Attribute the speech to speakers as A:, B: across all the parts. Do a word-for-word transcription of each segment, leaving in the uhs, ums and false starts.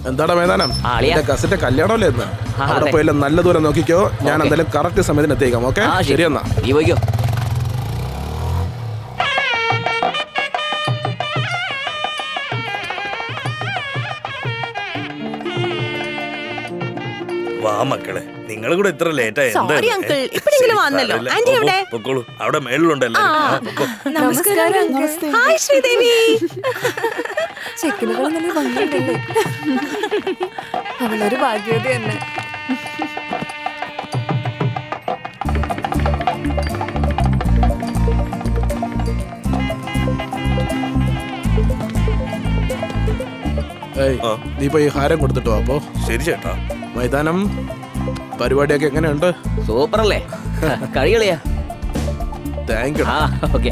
A: എന്താടാ വേദാനം കസിന്റെ കല്യാണമല്ലേ എന്ന് അവിടെ പോയില്ല നല്ല ദൂരം നോക്കിക്കോ ഞാൻ എന്തായാലും കറക്റ്റ് സമയത്തിന് എത്തിയേക്കാം ഓക്കെ ശരി എന്നാ
B: നീ പോയിക്കോ
C: വാ മക്കളെ നിങ്ങൾ കൂടെ ഇത്ര ലേറ്റ് ആയി അവിടെ മേളിലുണ്ടല്ലോ
D: അവളൊരു ഭാഗ്യവതി തന്നെ.
A: നീ പോയി ഹാരം കൊടുത്തിട്ടോ അപ്പോ
C: ശരി ചേട്ടാ.
A: മൈതാനം പരിപാടിയൊക്കെ എങ്ങനെയുണ്ട്?
B: സൂപ്പർ അല്ലേ? കളികളിയാ.
A: Thank you.
B: ഓക്കെ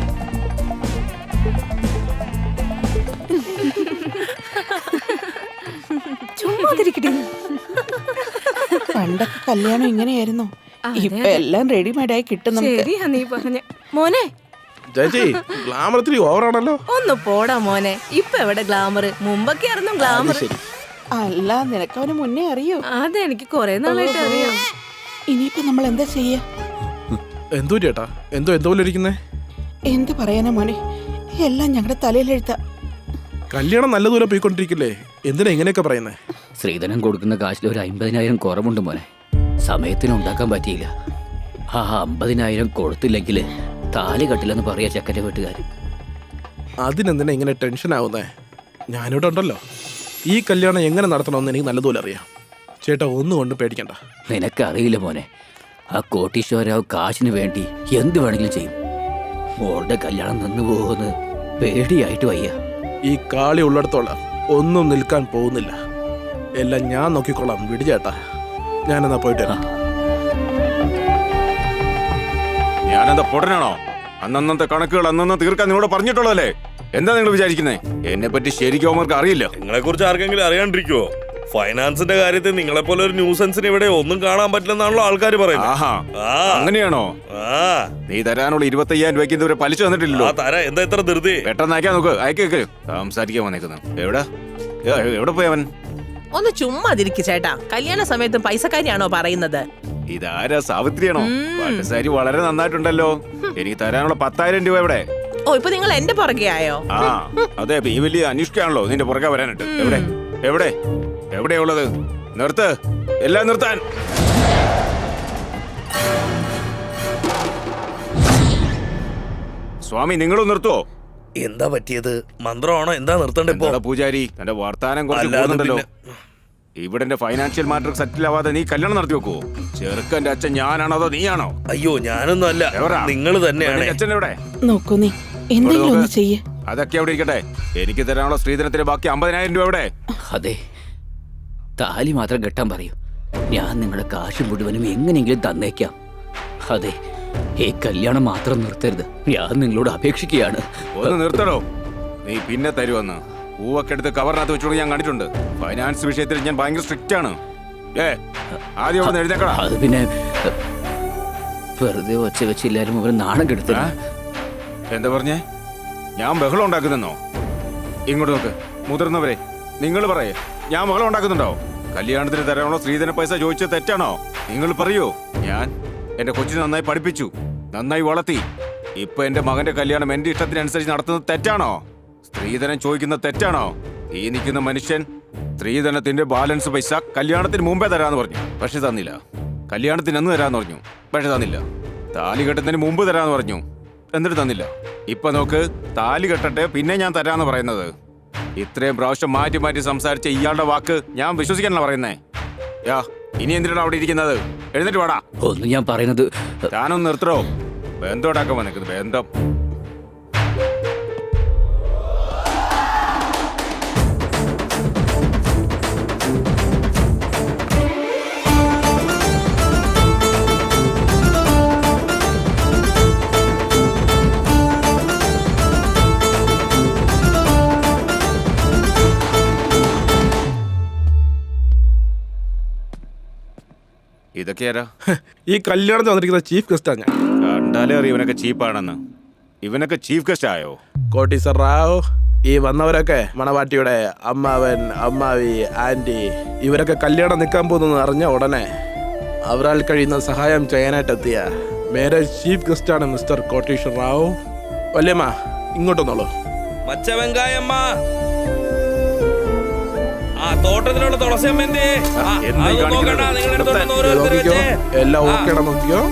E: പണ്ടൊക്കെ കല്യാണം ഇങ്ങനെയായിരുന്നു. ഇപ്പൊ എല്ലാം റെഡിമെയ്ഡ് ആയി കിട്ടും.
D: മോനെ
A: ചേച്ചി ഗ്ലാമർ ഇത്തിരി ഓവറാണല്ലോ.
D: ഒന്ന് പോടാ മോനെ. ഇപ്പൊ എവിടെ ഗ്ലാമർ? മുമ്പൊക്കെ ആയിരുന്നു ഗ്ലാമർ.
E: അല്ല നിനക്ക് അവന് മുന്നേ അറിയോ?
D: അതെനിക്ക് കൊറേ നാളായിട്ട് അറിയാം.
E: ഇനിയിപ്പോ നമ്മൾ എന്താ ചെയ്യാ?
A: എന്തോ ചേട്ടാ എന്തോ എന്തോ ഇരിക്കുന്നേ?
E: എന്ത് പറയാനാ മോനെ, എല്ലാം ഞങ്ങളുടെ തലയിലെഴുത്ത.
A: കല്യാണം നല്ല ദൂരം പോയിക്കൊണ്ടിരിക്കില്ലേ, എന്തിനാ ഇങ്ങനെയൊക്കെ പറയുന്നേ?
B: ശ്രീധനം കൊടുക്കുന്ന കാശിൽ ഒരു അമ്പതിനായിരം കുറവുണ്ട് മോനെ. സമയത്തിന് ഉണ്ടാക്കാൻ പറ്റിയില്ല. ആ അമ്പതിനായിരം കൊടുത്തില്ലെങ്കിൽ താലി കട്ടില്ലെന്ന് പറയാ ചക്കന്റെ വീട്ടുകാർ.
A: അതിനെന്തിനാ ഇങ്ങനെ ടെൻഷൻ ആവുന്നേ? ഞാനിവിടെ ഉണ്ടല്ലോ. ഈ കല്യാണം എങ്ങനെ നടത്തണമെന്ന് എനിക്ക് നല്ലതുപോലെ അറിയാം. ചേട്ടാ ഒന്നും കൊണ്ട് പേടിക്കണ്ട.
B: നിനക്കറിയില്ല മോനെ, ആ കോട്ടീശ്വരാവ് കാശിന് വേണ്ടി എന്ത് വേണമെങ്കിലും ചെയ്യും. മോളുടെ കല്യാണം നിന്ന് പോകുമെന്ന് പേടിയായിട്ട് വയ്യ.
A: ഈ കാളി ഉള്ളിടത്തോളം ഒന്നും നിൽക്കാൻ പോകുന്നില്ല. എല്ലാം ഞാൻ നോക്കിക്കൊള്ളാം. വിടി ചേട്ടാ, ഞാനെന്നാ പോയിട്ട് വരാം.
F: ഞാനെന്താ പൊടനാണോ? അന്നന്നത്തെ കണക്കുകൾ അന്നന്ന് തീർക്കാൻ നിങ്ങളോട് പറഞ്ഞിട്ടുള്ളതല്ലേ? എന്താ നിങ്ങൾ വിചാരിക്കുന്നേ? എന്നെ പറ്റി ശരിക്കും അവർക്ക് അറിയില്ല.
C: നിങ്ങളെ കുറിച്ച് ആർക്കെങ്കിലും അറിയാണ്ടിരിക്കുവോ? ഫൈനാൻസിന്റെ കാര്യത്തിൽ നിങ്ങളെ പോലെ ഒരു ന്യൂസൻസിന് ഇവിടെ ഒന്നും കാണാൻ പറ്റില്ലെന്നാണല്ലോ ആൾക്കാർ പറയുന്നത്.
F: അങ്ങനെയാണോ? നീ തരാനുള്ള ഇരുപത്തി അയ്യായിരം രൂപയ്ക്ക് ഇതുവരെ പലിശ തന്നിട്ടില്ലല്ലോ.
C: തരാം. എന്താ ഇത്ര ധൃതി?
F: പെട്ടെന്ന് അയക്കാൻ നോക്ക്. അയക്കേക്ക് സംസാരിക്കാൻ വന്നേക്കുന്നത്. എവിടെ എവിടെ പോയി അവൻ?
G: ഒന്ന് ചുമ്മാതിരിക്കു ചേട്ടാ. കല്യാണ സമയത്ത് പൈസക്കാരിയാണോ പറയുന്നത്?
F: ഇതാരാ, സാവിത്രിയാണോ? പട്ടുസാരി വളരെ നന്നായിട്ടുണ്ടല്ലോ. എനിക്ക് തരാനുള്ള പത്തായിരം രൂപ എവിടെ?
G: ഓ ഇപ്പൊ നിങ്ങൾ എന്റെ പുറകെ ആയോ?
F: ആ അതെ, ഈ വലിയ അന്വേഷിക്കാണല്ലോ നിന്റെ പുറകെ വരാനായിട്ട്. എവിടെ എവിടെ എവിടെയുള്ളത്? നിർത്ത്, എല്ലാം നിർത്താൻ. സ്വാമി നിങ്ങളും നിർത്തുവോ?
C: എന്താ പറ്റിയത്? മന്ത്രമാണോ? എന്താ നിർത്തണ്ടേ ഇപ്പൊ?
F: പൂജാരി തന്റെ വർത്താനം കുറച്ചുണ്ടല്ലോ. ഇവിടെ എന്റെ ഫൈനാൻഷ്യൽ മാറ്റർ സെറ്റിൽ ആവാതെ നീ കല്യാണം നടത്തി വെക്കുവോ? ചെറുക്കന്റെ അച്ഛൻ ഞാനാണോ അതോ നീയാണോ?
C: അയ്യോ ഞാനൊന്നും അല്ല, നിങ്ങൾ തന്നെയാണ്.
F: അച്ഛൻ എവിടെ?
E: നോക്കൂ നീ എന്തെങ്കിലും ഒന്ന് ചെയ്യ്.
F: അതൊക്കെ അവിടെ ഇരിക്കട്ടെ. എനിക്ക് തരാനുള്ള സ്ത്രീധനത്തിന് ബാക്കി അമ്പതിനായിരം രൂപ എവിടെ?
B: അതെ, താലി മാത്രം കെട്ടാൻ പറയൂ. ഞാൻ നിങ്ങളുടെ കാശ് മുഴുവനും എങ്ങനെയെങ്കിലും തന്നേക്കാം. അതെ, ഈ കല്യാണം മാത്രം നിർത്തരുത്. ഞാൻ നിങ്ങളോട് അപേക്ഷിക്കുകയാണ്.
F: ഒന്ന് നിർത്തണോ? നീ പിന്നെ തരുവന്ന് പൂവൊക്കെ എടുത്ത് കവറിനകത്ത് വെച്ചോണ്ട് ഞാൻ കണ്ടിട്ടുണ്ട്. ഫൈനാൻസ് വിഷയത്തിൽ ഞാൻ ഭയങ്കര സ്ട്രിക്റ്റ് ആണ്. ഏ ആദ്യം അവിടെ എഴുന്നേക്കടാ.
B: അത് പിന്നെ വെറുതെ ഒച്ച വെച്ച് എല്ലാരും ഒരു നാണം കെടുത്ത.
F: എന്താ പറഞ്ഞേ? ഞാൻ ബഹളം ഉണ്ടാക്കുന്നെന്നോ? ഇങ്ങോട്ട് നോക്ക് മുതിർന്നവരെ, നിങ്ങൾ പറയേ, ഞാൻ ബഹളം ഉണ്ടാക്കുന്നുണ്ടോ? കല്യാണത്തിന് തരാനുള്ള സ്ത്രീധന പൈസ ചോദിച്ചത് തെറ്റാണോ? നിങ്ങൾ പറയൂ. ഞാൻ എന്റെ കൊച്ചിനെ നന്നായി പഠിപ്പിച്ചു, നന്നായി വളർത്തി. ഇപ്പൊ എന്റെ മകന്റെ കല്യാണം എന്റെ ഇഷ്ടത്തിനനുസരിച്ച് നടത്തുന്നത് തെറ്റാണോ? സ്ത്രീധനം ചോദിക്കുന്നത് തെറ്റാണോ? ഈ നിൽക്കുന്ന മനുഷ്യൻ സ്ത്രീധനത്തിന്റെ ബാലൻസ് പൈസ കല്യാണത്തിന് മുമ്പേ തരാന്ന് പറഞ്ഞു, പക്ഷെ തന്നില്ല. കല്യാണത്തിന് അന്ന് തരാന്ന് പറഞ്ഞു, പക്ഷെ തന്നില്ല. താലി കെട്ടുന്നതിന് മുമ്പ് തരാന്ന് പറഞ്ഞു, എന്നിട്ട് തന്നില്ല. ഇപ്പൊ നോക്ക്, താലി കെട്ടട്ടെ പിന്നെ ഞാൻ തരാന്ന് പറയുന്നത്. ഇത്രയും പ്രാവശ്യം മാറ്റി മാറ്റി സംസാരിച്ച ഇയാളുടെ വാക്ക് ഞാൻ വിശ്വസിക്കാനല്ല പറയുന്നേ. യാ ഇനി എന്തിനാണ് അവിടെ ഇരിക്കുന്നത്? എഴുന്നേറ്റ് വാടാ.
B: ഒന്നും ഞാൻ പറയുന്നത്
F: താനൊന്ന് നിർത്തോ. ബന്ധം ഉണ്ടാക്കാൻ വന്നിരിക്കുന്നത് ബന്ധം. ഇതൊക്കെയാരാ?
A: ഈ കല്യാണത്തിൽ വന്നിരിക്കുന്ന ചീഫ് ഗസ്റ്റാ ഞാൻ.
F: കണ്ടാലേ അറിയാം ഇവനൊക്കെ ചീപ്പാണെന്ന്. ഇവനൊക്കെ ചീഫ് ഗസ്റ്റ് ആയോ?
A: കോട്ടീശ്വർ റാവു ഈ വന്നവരൊക്കെ മണവാട്ടിയുടെ അമ്മാവൻ, അമ്മാവി, ആന്റി ഇവരൊക്കെ കല്യാണം നിൽക്കാൻ പോകുന്നു അറിഞ്ഞ ഉടനെ അവരാൽ കഴിയുന്ന സഹായം ചെയ്യാനായിട്ടെത്തിയ മാരേജ് ചീഫ് ഗസ്റ്റാണ് മിസ്റ്റർ കോട്ടീശ്വർ റാവു. വല്യമ്മ ഇങ്ങോട്ടൊന്നോളൂ.
C: മച്ച വെങ്കായമ്മ, ആ തോട്ടത്തിലുള്ള തുളസിയമ്മന്റെ
F: എന്താ ഈ കാണിക്കുന്നത്?
A: നോക്കിക്കോ, എല്ലാം ഓക്കേടാ, നോക്കിക്കോ.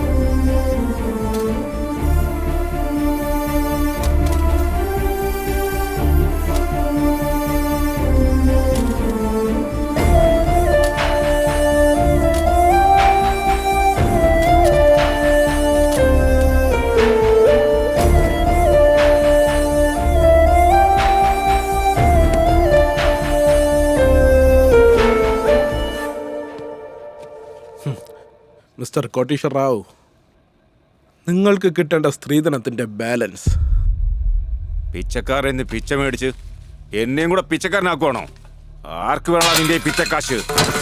A: മിസ്റ്റർ കോട്ടീശ്വർ റാവു, നിങ്ങൾക്ക് കിട്ടേണ്ട സ്ത്രീധനത്തിന്റെ ബാലൻസ്.
F: പിച്ചക്കാരെന്ന് പിച്ച മേടിച്ച് എന്നെയും കൂടെ പിച്ചക്കാരനാക്കുവാണോ? ആർക്ക് വേണം അതിന്റെ പിച്ചക്കാശ്?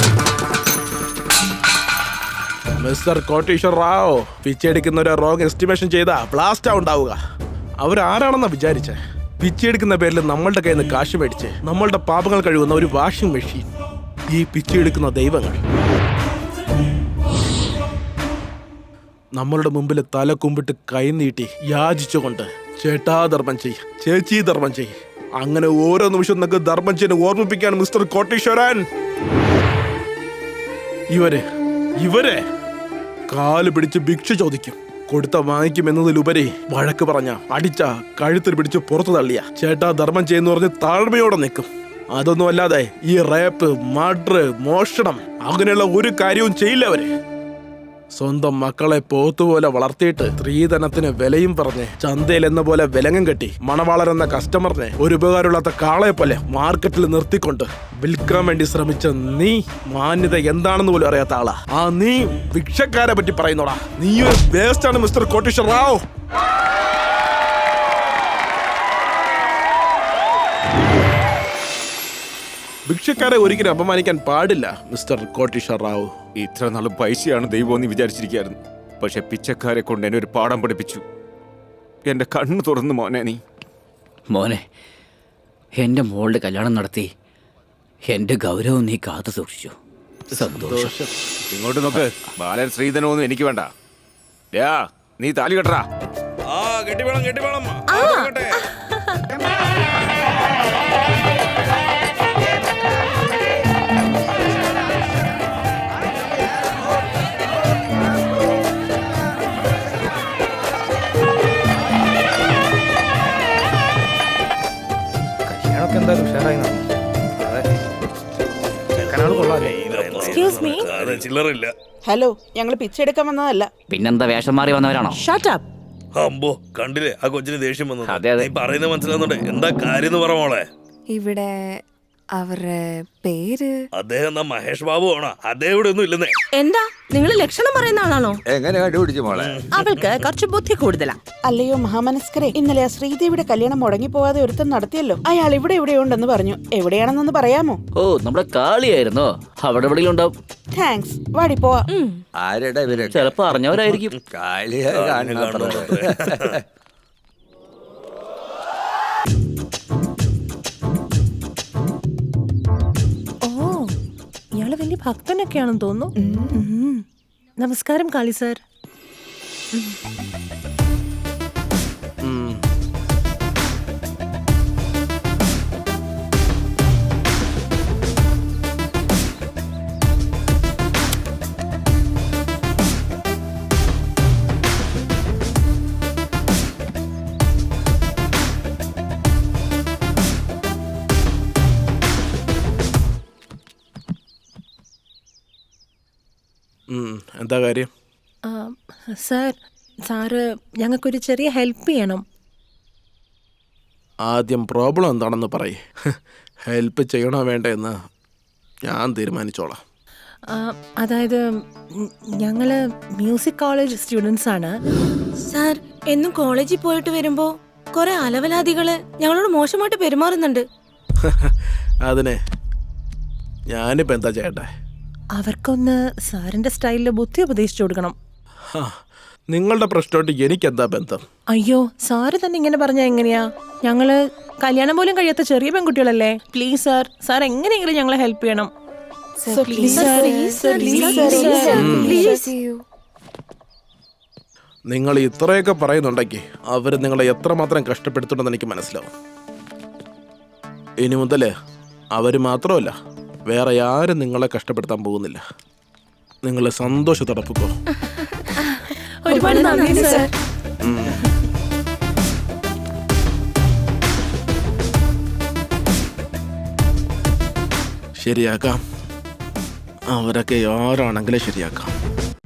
A: മിസ്റ്റർ കോട്ടീശ്വർ റാവു, പിച്ചെടുക്കുന്നവരെ റോങ് എസ്റ്റിമേഷൻ ചെയ്താ ബ്ലാസ്റ്റാ ഉണ്ടാവുക. അവരാരാണെന്നാ വിചാരിച്ചേ? പിച്ചെടുക്കുന്ന പേരിൽ നമ്മളുടെ കയ്യിൽ നിന്ന് കാശ് മേടിച്ച് നമ്മളുടെ പാപങ്ങൾ കഴുകുന്ന ഒരു വാഷിംഗ് മെഷീൻ. ഈ പിച്ചെടുക്കുന്ന ദൈവങ്ങൾ നമ്മളുടെ മുമ്പിൽ തല കുമ്പിട്ട് കൈനീട്ടി യാചിച്ചുകൊണ്ട് ചേട്ടാ ധർമ്മം ചെയ്, ചേച്ചി ധർമ്മം ചെയ്, അങ്ങനെ ഓരോ നിമിഷം നിങ്ങൾക്ക് ധർമ്മം ചെയ്യാൻ ഓർമ്മിപ്പിക്കാൻ മിസ്റ്റർ കോട്ടീശ്വരൻ. ഇവര് ഇവരെ കാല് പിടിച്ച് ഭിക്ഷ ചോദിക്കും, കൊടുത്ത വാങ്ങിക്കും എന്നതിലുപരി വഴക്ക് പറഞ്ഞ, അടിച്ച, കഴുത്തിൽ പിടിച്ച് പുറത്തു തള്ളിയ ചേട്ടാ ധർമ്മം ചെയ്യുന്ന പറഞ്ഞ് താഴ്മയോടെ നിൽക്കും. അതൊന്നും അല്ലാതെ ഈ റേപ്പ്, മർഡർ, മോഷണം അങ്ങനെയുള്ള ഒരു കാര്യവും ചെയ്യില്ല അവര്. സ്വന്തം മക്കളെ പോത്തുപോലെ വളർത്തിയിട്ട് സ്ത്രീധനത്തിന് വിലയും പറഞ്ഞ് ചന്തയിൽ എന്ന പോലെ വിലങ്ങും കെട്ടി മണവാളൻ എന്ന കസ്റ്റമറിനെ ഒരു ഉപകാരമില്ലാത്ത കാളയെ പോലെ മാർക്കറ്റിൽ നിർത്തിക്കൊണ്ട് വിൽക്കാൻ വേണ്ടി ശ്രമിച്ച നീ മാന്യത എന്താണെന്ന് പോലും അറിയാത്ത ആളാ. ആ നീ ഭിക്ഷക്കാരെ പറ്റി പറയുന്നോടാ. നീ ഒരു വേസ്റ്റ് ആണ് മിസ്റ്റർ കോട്ടീശ്വർ റാവു. ഭിക്ഷക്കാരെ ഒരിക്കലും അപമാനിക്കാൻ പാടില്ല മിസ്റ്റർ കോട്ടീശ്വർ റാവു.
F: ഇത്ര നാളും പൈസയാണ് ദൈവം എന്ന് വിചാരിച്ചിരിക്കുകയായിരുന്നു. പക്ഷെ പിച്ചക്കാരെ കൊണ്ട് എന്നെ ഒരു പാഠം പഠിപ്പിച്ചു. എന്റെ കണ്ണ് തുറന്നു മോനെ. നീ
B: മോനെ, എൻ്റെ മോളുടെ കല്യാണം നടത്തി എൻ്റെ ഗൗരവം നീ കാത്തു സൂക്ഷിച്ചു. സന്തോഷം.
F: ഇങ്ങോട്ട് നോക്ക്. ബാലൻ ശ്രീധനമൊന്നും എനിക്ക് വേണ്ട. യാ, നീ താലി കെട്ടറാ.
C: ആ കെട്ടി വേണം, കെട്ടി വേണം.
H: എന്തായാലും ഉഷാറായി നടന്നു. അതെ, ചെക്കനാണ് കൊള്ളാല്ലേ.
D: Excuse me.
C: ചില്ലറില്ല.
E: ഹലോ, ഞങ്ങൾ പിച്ചെടുക്കാൻ വന്നതല്ല.
B: പിന്നെന്താ വേഷം മാറി വന്നവരാണോ?
G: Shut up.
C: അമ്പോ, കണ്ടില്ലേ ആ കൊച്ചിന് ദേഷ്യം വന്നത്.
B: അതെ, അതെ.
C: നീ പറയുന്നത് മനസ്സിലാവുന്നുണ്ട്. എന്താ കാര്യം പറ മോളെ.
D: ഇവിടെ അവരുടെ പേര്
C: അദ്ദേഹം എന്നാ മഹേഷ് ബാബു ആണോ? അദ്ദേഹം ഇവിടെ ഒന്നും ഇല്ലെന്നേ.
D: എന്താ നിങ്ങൾ ലക്ഷണം പറയുന്ന ആളാണോ?
I: എങ്ങനെ കണ്ടുപിടിച്ചു മോളെ?
G: അവൾക്ക് കുറച്ച് ബുദ്ധി കൂടുതലാ.
E: അല്ലയോ മഹാമനസ്കരെ, ഇന്നലെ ആ ശ്രീദേവിയുടെ കല്യാണം മുടങ്ങിപ്പോവാതെ ഒരുത്തൻ നടത്തിയല്ലോ. അയാൾ ഇവിടെ എവിടെയുണ്ടെന്ന് പറഞ്ഞു. എവിടെയാണെന്നൊന്ന് പറയാമോ?
B: ഓ, നമ്മുടെ കാളിയായിരുന്നോ? അവിടെ എവിടെയെങ്കിലും ഉണ്ടാവും.
E: താങ്ക്സ്. വാടി പോവാ.
I: ആരുടെ ഇവര്?
B: ചിലപ്പോ അറിഞ്ഞവരായിരിക്കും.
I: കാളിയെ കാണുന്ന
G: ഇയാള് വലിയ ഭക്തനൊക്കെയാണെന്ന് തോന്നുന്നു. നമസ്കാരം കാളി സാർ.
A: എന്താ കാര്യം?
G: സാർ, സാറ് ഞങ്ങൾക്കൊരു ചെറിയ ഹെൽപ്പ് ചെയ്യണം.
A: ആദ്യം പ്രോബ്ലം എന്താണെന്ന് പറയ്. ഹെൽപ്പ് ചെയ്യണോ വേണ്ടെന്ന് ഞാൻ തീരുമാനിച്ചോളാം.
G: അതായത് ഞങ്ങള് മ്യൂസിക് കോളേജ് സ്റ്റുഡൻസ് ആണ്.
D: സാർ, എന്നും കോളേജിൽ പോയിട്ട് വരുമ്പോ കുറെ അലവലാദികള് ഞങ്ങളോട് മോശമായിട്ട് പെരുമാറുന്നുണ്ട്.
A: അതിന് ഞാനിപ്പോ എന്താ ചെയ്യട്ടെ?
G: അവർക്കൊന്ന് സാറിന്റെ സ്റ്റൈലില് ബുദ്ധി ഉപദേശിച്ചു കൊടുക്കണം.
A: നിങ്ങളുടെ പ്രശ്നമായിട്ട് എനിക്ക് എന്താ ബന്ധം?
G: അയ്യോ സാറ് തന്നെ ഇങ്ങനെ പറഞ്ഞാ എങ്ങനെയാ? ഞങ്ങള് കല്യാണം പോലും കഴിയാത്ത ചെറിയ പെൺകുട്ടികളല്ലേ. പ്ലീസ് സാർ, സാർ എങ്ങനെയെങ്കിലും ഞങ്ങളെ ഹെൽപ്പ് ചെയ്യണം.
A: നിങ്ങൾ ഇത്രയൊക്കെ പറയുന്നുണ്ടെങ്കിൽ അവർ നിങ്ങളെ എത്രമാത്രം കഷ്ടപ്പെടുത്തുണ്ടെന്ന് എനിക്ക് മനസ്സിലാവും. ഇനി മുതൽ അവർ മാത്രമല്ല, വേറെ ആരും നിങ്ങളെ കഷ്ടപ്പെടുത്താൻ പോകുന്നില്ല. നിങ്ങൾ സന്തോഷത്തോടെ പൊക്കോ.
G: ഒരുപാട് നന്ദി സാർ.
A: ശരിയാക്കാം, അവരൊക്കെ ആരാണെങ്കിലും ശരിയാക്കാം.